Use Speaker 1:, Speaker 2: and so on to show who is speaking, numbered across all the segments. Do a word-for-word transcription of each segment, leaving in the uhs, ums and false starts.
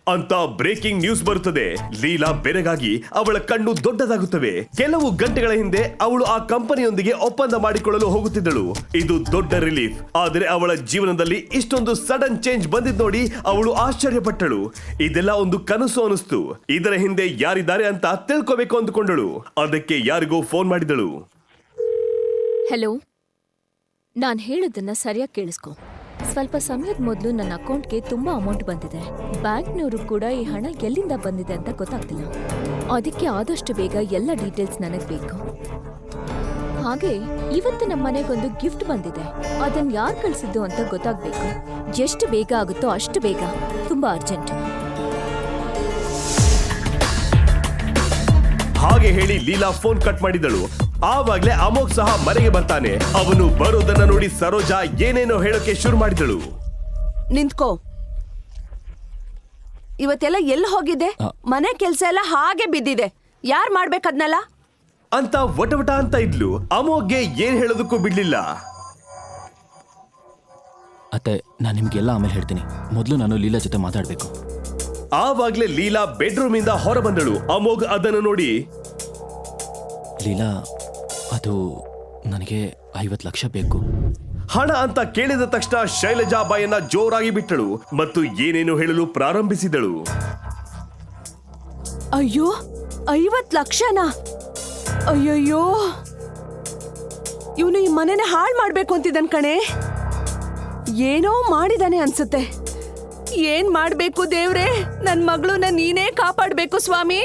Speaker 1: ಅಂತ breaking news ಬರುತ್ತದೆ. ಲೀಲಾ ಬೆರಗಾಗಿ ಅವಳ ಕಣ್ಣು ದೊಡ್ಡದಾಗುತ್ತವೆ. ಕೆಲವು ಗಂಟೆಗಳ ಹಿಂದೆ ಅವಳು ಆ ಕಂಪನಿಯೊಂದಿಗೆ ಒಪ್ಪಂದ ಮಾಡಿಕೊಳ್ಳಲು ಹೋಗುತ್ತಿದ್ದಳು. ಇದು ದೊಡ್ಡ ರಿಲೀಫ್. ಆದರೆ ಅವಳ ಜೀವನದಲ್ಲಿ ಇಷ್ಟೊಂದು ಸಡನ್ ಚೇಂಜ್ ಬಂದಿದ್ ನೋಡಿ ಅವಳು ಆಶ್ಚರ್ಯಪಟ್ಟಳು. ಇದೆಲ್ಲ ಒಂದು ಕನಸು ಅನಿಸ್ತು. ಇದರ ಹಿಂದೆ ಯಾರಿದ್ದಾರೆ ಅಂತ ತಿಳ್ಕೋಬೇಕು ಅಂದುಕೊಂಡಳು. ಅದಕ್ಕೆ ಯಾರಿಗೋ ಫೋನ್ ಮಾಡಿದಳು.
Speaker 2: ಹಲೋ, ನಾನ್ ಹೇಳೋದನ್ನ ಸರಿಯಾಗಿ ಕೇಳಿಸ್ಕೊ. ಸ್ವಲ್ಪ ಸಮಯದ ಮೊದಲು ನನ್ನ ಅಕೌಂಟ್ಗೆ ತುಂಬಾ ಅಮೌಂಟ್ ಬಂದಿದೆ. ಬ್ಯಾಂಕ್ನವರು ಕೂಡ ಈ ಹಣ ಎಲ್ಲಿಂದ ಬಂದಿದೆ ಅಂತ ಗೊತ್ತಾಗ್ತಿಲ್ಲ. ಅದಕ್ಕೆ ಆದಷ್ಟು ಬೇಗ ಎಲ್ಲ ಡೀಟೇಲ್ಸ್ ನನಗ್ ಬೇಕು. ಹಾಗೆ ಇವತ್ತು ನಮ್ಮ ಮನೆಗೊಂದು ಗಿಫ್ಟ್ ಬಂದಿದೆ. ಅದನ್ನ ಯಾರು ಕಳ್ಸಿದ್ದು ಅಂತ ಗೊತ್ತಾಗ್ಬೇಕು. ಎಷ್ಟು ಬೇಗ ಆಗುತ್ತೋ ಅಷ್ಟು ಬೇಗ. ತುಂಬಾ ಅರ್ಜೆಂಟ್.
Speaker 1: ಹಾಗೆ ಹೇಳಿ ಲೀಲಾ ಫೋನ್ ಕಟ್ ಮಾಡಿದಳು. ಆವಾಗ್ಲೇ ಅಮೋಘ್ ಸಹ ಮನೆಗೆ ಬರ್ತಾನೆ. ಅವನು ಬರೋದನ್ನ ನೋಡಿ ಸರೋಜಾ ಏನೇನೋ ಹೇಳೋಕೆ ಶುರು ಮಾಡಿದಳು.
Speaker 3: ನಿಂತ್ಕೋ. ಇವತ್ತೆಲ್ಲ ಎಲ್ಲಿ ಹೋಗಿದೆ? ಮನೆ ಕೆಲ್ಸ ಎಲ್ಲ ಹಾಗೆ ಬಿದ್ದಿದೆ. ಯಾರ್ ಮಾಡ್ಬೇಕದ್ನಲ್ಲ
Speaker 1: ಅಂತ ವಟವಟ ಅಂತ ಇದ್ಲು. ಅಮೋಘ್ಗೆ ಏನ್ ಹೇಳೋದಕ್ಕೂ ಬಿಡ್ಲಿಲ್ಲ.
Speaker 4: ಅತ್ತೆ, ನಾನು ನಿಮ್ಗೆಲ್ಲ ಆಮೇಲೆ ಹೇಳ್ತೀನಿ. ಮೊದಲು ನಾನು ಲೀಲಾ ಜೊತೆ ಮಾತಾಡ್ಬೇಕು.
Speaker 1: ಆವಾಗ್ಲೇ ಲೀಲಾ ಬೆಡ್ರೂಮ್ ಇಂದ ಹೊರ ಬಂದಳು. ಅಮೋಘ್ ಅದನ್ನು ನೋಡಿ,
Speaker 4: ಲೀಲಾ, ಅದು ನನಗೆ ಐವತ್ತು ಲಕ್ಷ ಬೇಕು.
Speaker 1: ಹಣ ಅಂತ ಕೇಳಿದ ತಕ್ಷಣ ಶೈಲಜಾ ಬಾಯನ್ನ ಜೋರಾಗಿ ಬಿಟ್ಟಳು ಮತ್ತು ಏನೇನು ಹೇಳಲು ಪ್ರಾರಂಭಿಸಿದಳು.
Speaker 3: ಅಯ್ಯೋ, ಐವತ್ ಲಕ್ಷನಾ? ಅಯ್ಯಯ್ಯೋ, ಇವನು ಈ ಮನೆನ ಹಾಳು ಮಾಡ್ಬೇಕು ಅಂತಿದ್ದನ್ ಕಣೆ. ಏನೋ ಮಾಡಿದಾನೆ ಅನ್ಸುತ್ತೆ. ಏನ್ ಮಾಡ್ಬೇಕು ದೇವ್ರೆ? ನನ್ ಮಗಳನ್ನ ನೀನೇ ಕಾಪಾಡ್ಬೇಕು ಸ್ವಾಮಿ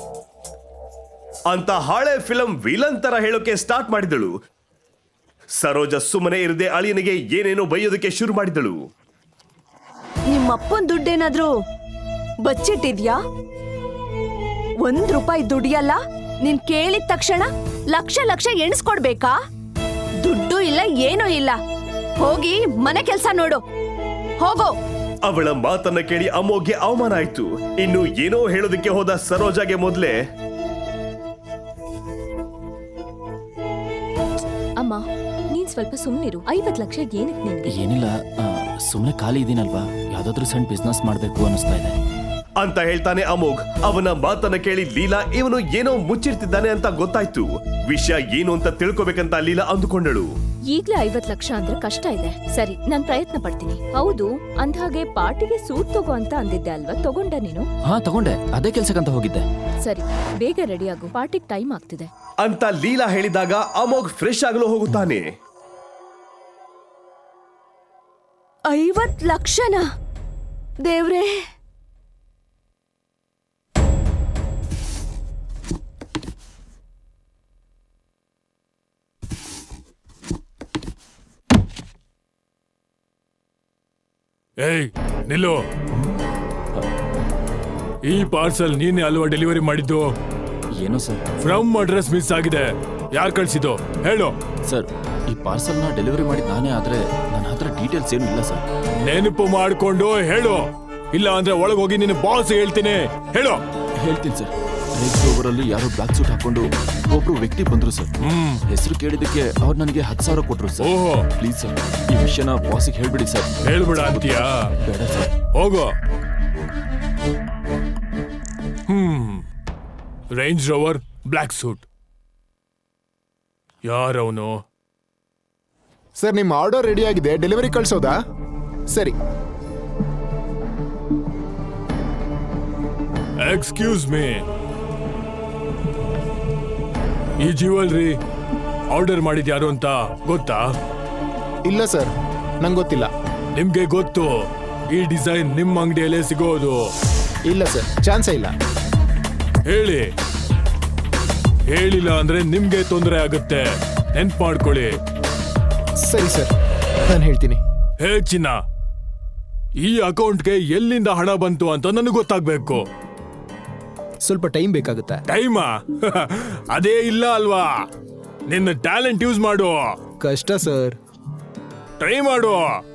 Speaker 1: ಅಂತ ಹಳೆ ಫಿಲಂ ವಿಲನ್ ತರ ಹೇಳೋಕೆ ಸ್ಟಾರ್ಟ್ ಮಾಡಿದಳು. ಸರೋಜಾ ಸುಮ್ಮನೆ ಇರದೆ ಅಳಿಯನಿಗೆ ಏನೇನೋ ಬೈಯೋದಕ್ಕೆ ಶುರು ಮಾಡಿದಳು.
Speaker 3: ನಿಮ್ಮಪ್ಪನ್ ದುಡ್ಡೇನಾದ್ರೂ ಬಚ್ಚಿಟ್ಟಿದ್ಯಾ? ಒಂದ್ ರೂಪಾಯಿ ದುಡಿಯಲ್ಲ. ನೀನ್ ಕೇಳಿದ ತಕ್ಷಣ ಲಕ್ಷ ಲಕ್ಷ ಎಣಿಸ್ಕೊಡ್ಬೇಕಾ? ದುಡ್ಡು ಇಲ್ಲ, ಏನೂ ಇಲ್ಲ. ಹೋಗಿ ಮನೆ ಕೆಲ್ಸ ನೋಡು, ಹೋಗೋ.
Speaker 1: ಅವಳ ಮಾತನ್ನ ಕೇಳಿ ಅಮೋಘ್ಗೆ ಅವಮಾನ ಆಯ್ತು. ಇನ್ನು ಏನೋ ಹೇಳೋದಕ್ಕೆ ಹೋದ ಸರೋಜಾಗೆ ಮೊದಲೇ,
Speaker 2: ಅಮ್ಮ, ನೀನ್ ಸ್ವಲ್ಪ ಸುಮ್ನಿರು. ಐವತ್ ಲಕ್ಷ ಏನಕ್ಕೆ ನಿನ್ಗೆ?
Speaker 4: ಏನಿಲ್ಲ, ಸುಮ್ಮನೆ ಖಾಲಿ ಇದೀನಲ್ವಾ, ಯಾವ್ದಾದ್ರು ಸಣ್ಣ ಬಿಸ್ನೆಸ್ ಮಾಡ್ಬೇಕು ಅನ್ನಿಸ್ತಾ ಇದೆ
Speaker 1: ಅಂತ ಹೇಳ್ತಾನೆ ಅಮೋಘ್. ಅವನ ಮಾತನ್ನ ಕೇಳಿ ಲೀಲಾ ಇವನು ಏನೋ ಮುಚ್ಚಿರ್ತಿದ್ದಾನೆ ಅಂತ ಗೊತ್ತಾಯ್ತು. ವಿಷಯ ಏನು ಅಂತ ತಿಳ್ಕೊಬೇಕಂತ ಲೀಲಾ ಅಂದುಕೊಂಡಳು.
Speaker 2: ಈಗ್ಲೇ ಐವತ್ ಲಕ್ಷ ಅಂದ್ರೆ ಕಷ್ಟ ಇದೆ. ಸರಿ, ನಾನ್ ಪ್ರಯತ್ನ ಪಡ್ತೀನಿ. ಹೌದು, ಅಂದ್ಹಾಗೆ ಪಾರ್ಟಿಗೆ ಸೂಟ್ ತಗೋ ಅಂತ ಅಂದಿದ್ದೆ ಅಲ್ವಾ? ತಗೊಂಡ ನೀನು?
Speaker 4: ಹಾ, ತಗೊಂಡೆ. ಅದೇ ಕೆಲ್ಸಕ್ಕಂತ ಹೋಗಿದ್ದೆ.
Speaker 2: ಸರಿ, ಬೇಗ ರೆಡಿ ಆಗು, ಪಾರ್ಟಿಗೆ ಟೈಮ್ ಆಗ್ತಿದೆ
Speaker 1: ಅಂತ ಲೀಲಾ ಹೇಳಿದಾಗ ಅಮೋಘ್ ಫ್ರೆಶ್ ಆಗಲು ಹೋಗುತ್ತಾನೆ.
Speaker 3: ಐವತ್ ಲಕ್ಷನಾ? ದೇವ್ರೇ,
Speaker 5: ಏಯ್ ನಿಲ್ಲು. ಈ ಪಾರ್ಸಲ್ ನೀನೆ ಅಲ್ವಾ ಡೆಲಿವರಿ ಮಾಡಿದ್ದು?
Speaker 4: ಏನೋ ಸರ್,
Speaker 5: ಫ್ರಮ್ ಅಡ್ರೆಸ್ ಮಿಸ್ ಆಗಿದೆ. ಯಾರು ಕಳ್ಸಿದ್ದು ಹೇಳು.
Speaker 4: ಸರ್, ಈ ಪಾರ್ಸಲ್ನ ಡೆಲಿವರಿ ಮಾಡಿದ ನಾನೇ, ಆದ್ರೆ ನನ್ನ ಹತ್ರ ಡೀಟೇಲ್ಸ್ ಏನು ಇಲ್ಲ ಸರ್.
Speaker 5: ನೆನಪು ಮಾಡ್ಕೊಂಡು ಹೇಳು, ಇಲ್ಲ ಅಂದ್ರೆ ಒಳಗೋಗಿ ನಿನ್ನ ಬಾಸ್ ಹೇಳ್ತೀನಿ. ಹೇಳು.
Speaker 4: ಹೇಳ್ತೀನಿ ಸರ್. ರೇಂಜ್ ರೋವರಲ್ಲಿ ಯಾರೋ ಬ್ಲಾಕ್ ಸೂಟ್ ಹಾಕೊಂಡು ಒಬ್ರು ವ್ಯಕ್ತಿ ಬಂದ್ರು ಸರ್. ಹೆಸರು ಕೇಳಿದಕ್ಕೆ ಅವ್ರು ನನಗೆ ಹತ್ತು ಸಾವಿರ ಕೊಟ್ರು ಸರ್.
Speaker 5: ಓಹೋ,
Speaker 4: ಪ್ಲೀಸ್ ಸರ್, ಈ ವಿಷಯನ ಬಾಸಿಗೆ ಹೇಳ್ಬಿಡಿ ಸರ್.
Speaker 5: ಹೇಳ್ಬಿಡ ಅಂತೀಯಾ?
Speaker 4: ಬೇಡ ಸರ್.
Speaker 5: ಹೋಗೋ. Hmm Range Rover, black suit. ಯಾರವನು?
Speaker 6: ಸರ್, ನಿಮ್ಮ ಆರ್ಡರ್ ರೆಡಿ ಆಗಿದೆ. ಡೆಲಿವರಿ ಕಳ್ಸೋದಾ? ಸರಿ.
Speaker 5: ಎಕ್ಸ್ಕ್ಯೂಸ್ ಮೀ, ಈ ಜ್ಯುವೆಲ್ರಿ ಆರ್ಡರ್ ಮಾಡಿದ್ಯಾರು ಅಂತ ಗೊತ್ತಾ?
Speaker 6: ಇಲ್ಲ ಸರ್, ನಂಗೆ ಗೊತ್ತಿಲ್ಲ.
Speaker 5: ನಿಮ್ಗೆ ಗೊತ್ತು, ಈ ಡಿಸೈನ್ ನಿಮ್ಮ ಅಂಗಡಿಯಲ್ಲೇ ಸಿಗೋದು.
Speaker 6: ಇಲ್ಲ ಸರ್, ಚಾನ್ಸೇ ಇಲ್ಲ.
Speaker 5: ಹೇಳಿ. ಹೇಳಿಲ್ಲ ಅಂದ್ರೆ ನಿಮ್ಗೆ ತೊಂದರೆ ಆಗುತ್ತೆ. ನೆನ್ಪು ಮಾಡ್ಕೊಳ್ಳಿ.
Speaker 6: ಸರಿ ಸರ್, ನಾನು ಹೇಳ್ತೀನಿ.
Speaker 5: ಹೇ ಚಿನ್ನ, ಈ ಅಕೌಂಟ್ಗೆ ಎಲ್ಲಿಂದ ಹಣ ಬಂತು ಅಂತ ನನಗೆ ಗೊತ್ತಾಗ್ಬೇಕು.
Speaker 6: ಸ್ವಲ್ಪ ಟೈಮ್ ಬೇಕಾಗುತ್ತೆ.
Speaker 5: ಟೈಮಾ? ಅದೇ ಇಲ್ಲ ಅಲ್ವಾ? ನಿನ್ನ ಟ್ಯಾಲೆಂಟ್ ಯೂಸ್ ಮಾಡು.
Speaker 6: ಕಷ್ಟ ಸರ್.
Speaker 5: ಟ್ರೈ ಮಾಡು.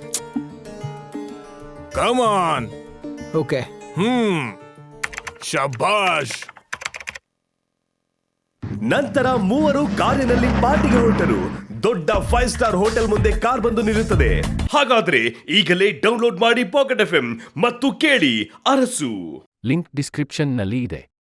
Speaker 5: Come on.
Speaker 6: ಓಕೆ.
Speaker 5: ಹ್ಮ್ ಶಬಾಷ್.
Speaker 1: ನಂತರ ಮೂವರು ಕಾರಿನಲ್ಲಿ ಪಾರ್ಟಿಗೆ ಹೊರಟರು. ದೊಡ್ಡ ಫೈವ್ ಸ್ಟಾರ್ ಹೋಟೆಲ್ ಮುಂದೆ ಕಾರ್ ಬಂದು ನಿಲ್ಲುತ್ತದೆ. ಹಾಗಾದ್ರೆ ಈಗಲೇ ಡೌನ್ಲೋಡ್ ಮಾಡಿ ಪಾಕೆಟ್ ಎಫ್ ಎಂ ಮತ್ತು ಕೇಳಿ ಅರಸು.
Speaker 7: ಲಿಂಕ್ ಡಿಸ್ಕ್ರಿಪ್ಷನ್ನಲ್ಲಿ ಇದೆ.